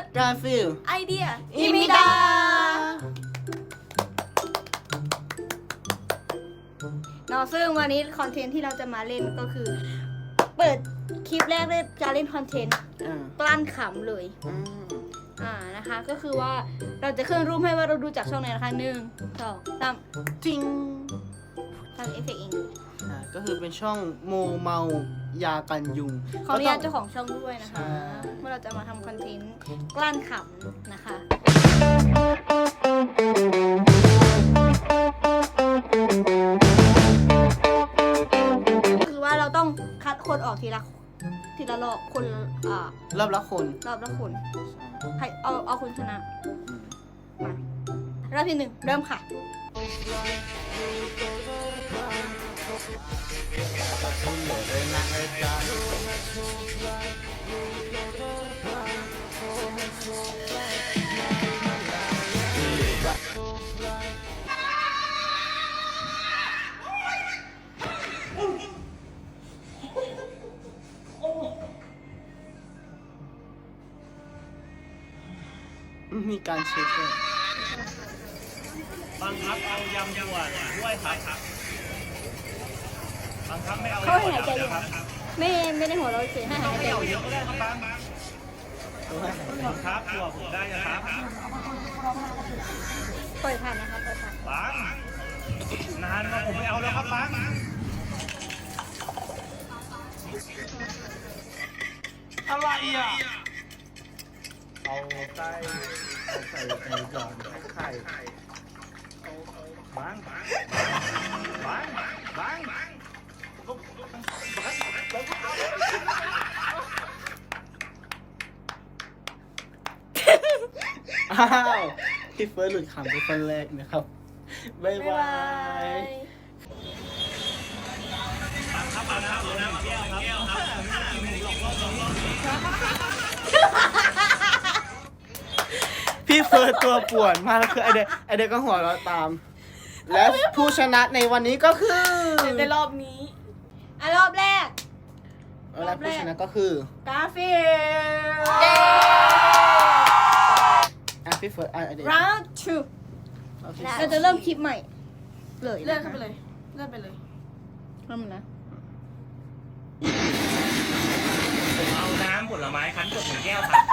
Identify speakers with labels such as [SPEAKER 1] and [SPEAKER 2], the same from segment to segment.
[SPEAKER 1] กาฟิล
[SPEAKER 2] ไอเดีย
[SPEAKER 1] อิมิดา
[SPEAKER 2] เนาะซึ่งวันนี้คอนเทนต์ที่เราจะมาเล่นก็คือ เปิดคลิปแรกเลยจะเล่นคอนเทนต์กลั้นขำเลยนะคะก็คือว่าเราจะขึ้นรูปให้ว่าเราดูจากช่องไหนนะคะ1 2 3
[SPEAKER 1] จริง
[SPEAKER 2] ทำเอฟเฟกต์เอง
[SPEAKER 1] ก็คือเป็นช่องโมเมายากันยุง
[SPEAKER 2] ขออนุญาตเจ้าของช่องด้วยนะคะว่าเราจะมาทำคอนเทนต์กลั้นขำนะคะคือว่าเราต้องคัดคนออกทีละรอบคน
[SPEAKER 1] รอบละคน
[SPEAKER 2] รอบละคนใครเอาคนชนะมารอบที่1เริ่มค่ะ
[SPEAKER 1] มีการเช็คด้วย
[SPEAKER 3] บังคับเอายำหัวด้วยครับบังคับไม่เอา
[SPEAKER 2] เขาให้หายใจอยู่ไม่ได้หัวเราะเฉยให้หายใจ
[SPEAKER 3] ไม่เอา
[SPEAKER 2] อ
[SPEAKER 3] เย
[SPEAKER 2] ยู่
[SPEAKER 3] อะก็ได้ครับบังคับตัวผมได้นะครับ
[SPEAKER 2] ปล่อยผ่านนะคะปล่อยผ่าน
[SPEAKER 3] บังนานมาผมไม่เอาแล้วครับบังอะไรอ่ะเอาไส้ใส่ในจานไข่บัง
[SPEAKER 1] อ้าวพี่เฟิร์สหลุดขำเป็นคนแรกนะครับบ๊ายบาย
[SPEAKER 3] ครับเอาน้ำแก้วครับ
[SPEAKER 1] พี่เฟิร์สตัวป่วนมากคือไอเด็กก็หัวเราะตาม และผู้ชนะในวันนี้ก็คือ
[SPEAKER 2] ในรอบนี้รอบแรก
[SPEAKER 1] และผู้ชนะก็คือก
[SPEAKER 2] าฟิล
[SPEAKER 1] พี่เฟิร์สไอเด็ก
[SPEAKER 2] round 2เราจะเริ่มคลิปใหม่เลย
[SPEAKER 4] เลื่อนขึ้นไปเลย เลื่อนไปเลย
[SPEAKER 2] เริ่มนะ
[SPEAKER 3] ผมเอาน้ำผลไม้คั้นสด1 แก้วครับ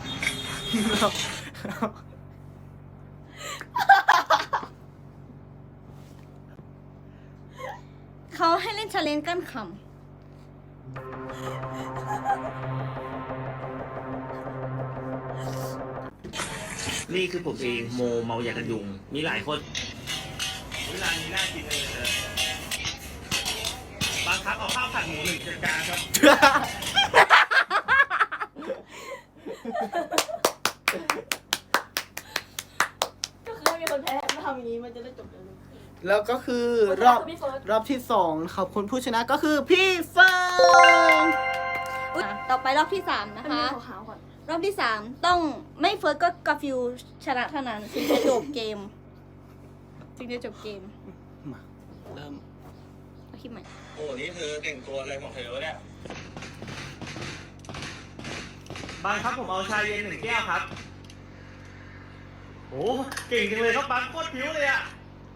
[SPEAKER 2] เขาให้เล่นชาเลนจ์กั้นข
[SPEAKER 3] นี่คือผมเองโมเมาอยากกันยุงมีหลายคนเวลานี้น่ากินเลยบางครั้งเอาข้าวผัดหมู1 จานครับ
[SPEAKER 4] ก็คือให้มีคนแพ้มาทำอย่างนี้มันจะได้จบเร็ว
[SPEAKER 1] แล้วก็คือ
[SPEAKER 4] พี่เฟิร์ส
[SPEAKER 1] รอบที่2ขอบคุณผู้ชนะก็คือพี่เฟิร์ส
[SPEAKER 2] ำต่อไปรอบที่ 3
[SPEAKER 4] ๆ
[SPEAKER 2] นะ
[SPEAKER 4] ให้มี
[SPEAKER 2] คะ
[SPEAKER 4] ขาวๆก่อน
[SPEAKER 2] รอบที่ 3 ต้องไม่เฟิร์สก็กาฟิลชนะเท่านั้นถึงจะจบเกมถึงจะจบเกม
[SPEAKER 1] มาเริ่ม
[SPEAKER 2] เอาคลิปใหม่
[SPEAKER 3] โอ้นี่เธอแต่งตัวอะไรของเธอวะเนี่ยบางครับผมเอาชาเย็น1 แก้วครับโอ้เก่งจังเลยครับบางโคตรผิวเลยอ่ะ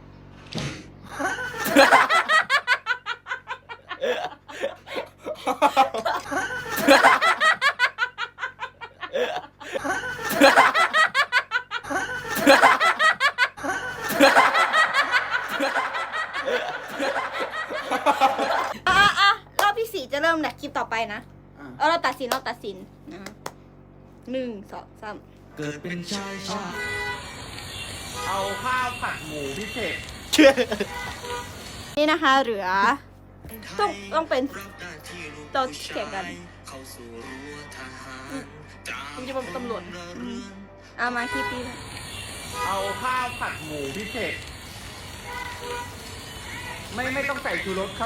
[SPEAKER 2] รอบที่ 4 จะเริ่มแหละคลิปต่อไปนะ เราตัดสินนะ1 2 3
[SPEAKER 3] เกิดเป็นชายชาเอาข้าวผัดหมูพิเศษ
[SPEAKER 2] นี่นะคะเหลือต้องเป็นตัวแข่งกัน
[SPEAKER 4] ผมจะเป็นตำรวจ
[SPEAKER 2] เอามาคลิปนี้
[SPEAKER 3] เอาข้าวผัดหมูพิเศษ ไม่ต้องใส่ชูรสครับ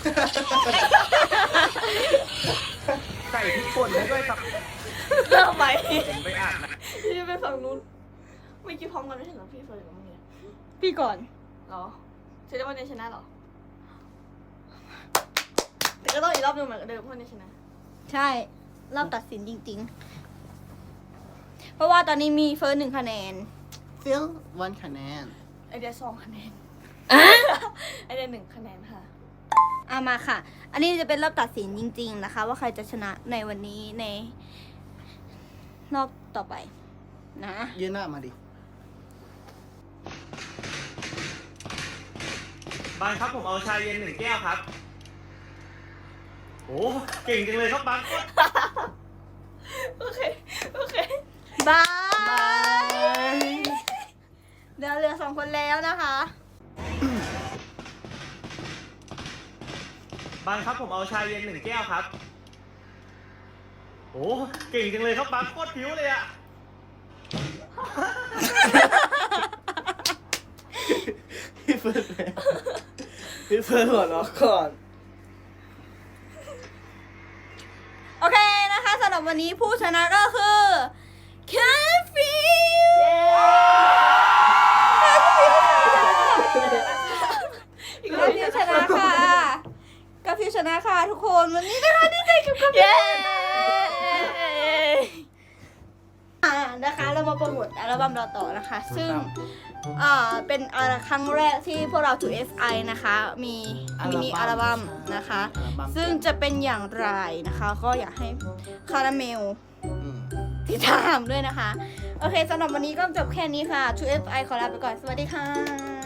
[SPEAKER 3] ใส่พริกป่นให้ด้วยครับ
[SPEAKER 4] เริ่มไป
[SPEAKER 3] ผมไปอ่านนะ
[SPEAKER 4] พี่จะไปฝั่งนู้นไม่คิดพร้อมกันไม่ใช่เหรอพี่เฟิร์สกับมึงเนี่ย
[SPEAKER 2] พี่ก่อน
[SPEAKER 4] เหรอจะได้วันนี้ชนะเหรอแต่ก็ต้องอีกรอบหนึงเหมือนเดิมเพราะวันนี้ชนะ
[SPEAKER 2] ใช่รอบตัดสินจริงเพราะว่าตอนนี้มีเฟิร์ส1 คะแนน
[SPEAKER 1] ฟิลวันคะแนน
[SPEAKER 4] ไอเดีย2 คะแนนไอเดีย1 คะแนนค่ะ
[SPEAKER 2] เอามาค่ะ อันนี้จะเป็นรอบตัดสินจริงๆนะคะ ว่าใครจะชนะในวันนี้ในรอบต่อไปนะ
[SPEAKER 1] ยืนหน้ามาดิ
[SPEAKER 3] บางครับผมเอาชาเย็น1 แก้วครับโอ้เก่งจังเลยครับบาง
[SPEAKER 4] โอเค โอเค
[SPEAKER 2] บายเดี๋ยวเหลือ2 คนแล้วนะคะ
[SPEAKER 3] บางครับผมเอาชาเย็น1 แก้วครับโอ้เก่งจังเลยครับบางโคตรผิวเลยอะ
[SPEAKER 1] พี่เฟิร์สแล้วพี่เฟิร์สหัวเราะก่อน
[SPEAKER 2] โอเคนะคะสำหรับวันนี้ผู้ชนะก็คือแคฟฟิลกาฟิวชนะค่ะกาฟิวชนะค่ะทุกคนวันนี้นะคะดีใจกับกาฟิวนะคะเรามาโปรโมทอัลบั้มเราต่อนะคะ ซึ่งเป็นครั้งแรกที่พวกเรา 2FI นะคะมีมินิอัลบั้มนะคะ ซึ่งจะเป็นอย่างไรนะคะ ก็อยากให้คาราเมลติดตามด้วยนะคะ โอเคสำหรับวันนี้ก็จบแค่นี้ค่ะ 2FI ขอลาไปก่อน สวัสดีค่ะ